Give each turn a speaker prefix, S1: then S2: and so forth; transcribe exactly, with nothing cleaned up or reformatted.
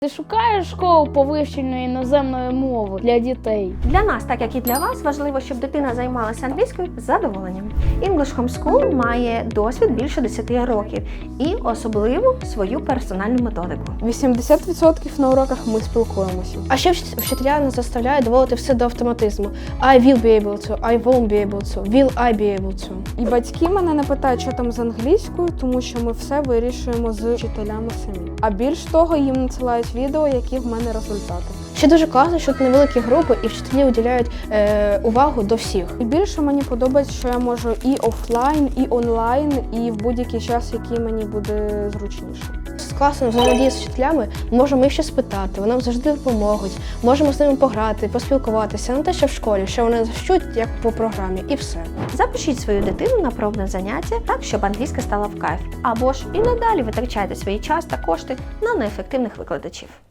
S1: Ти шукаєш школу по вивченню іноземної мови для дітей?
S2: Для нас, так як і для вас, важливо, щоб дитина займалася англійською з задоволенням. English Homeschool має досвід більше десяти років і особливу свою персональну методику.
S3: вісімдесят відсотків на уроках ми спілкуємося.
S4: А ще вчителя нас заставляють доводити все до автоматизму. I will be able to, I won't be able to, will I be able to.
S3: І батьки мене не питають, що там з англійською, тому що ми все вирішуємо з вчителями самі. А більш того, їм надсилають відео, які в мене результати.
S4: Ще дуже класно, що тут невеликі групи і вчителі уділяють е, увагу до всіх.
S3: І більше мені подобається, що я можу і офлайн, і онлайн, і в будь-який час, який мені буде зручніше.
S4: Класно взаємодіяти з вчителями, можемо їх щось спитати, вони нам завжди допоможуть, можемо з ними пограти, поспілкуватися, не те, що в школі, що вони вчать як по програмі, і все.
S2: Запишіть свою дитину на пробне заняття так, щоб англійська стала в кайф. Або ж і надалі витрачайте свій час та кошти на неефективних викладачів.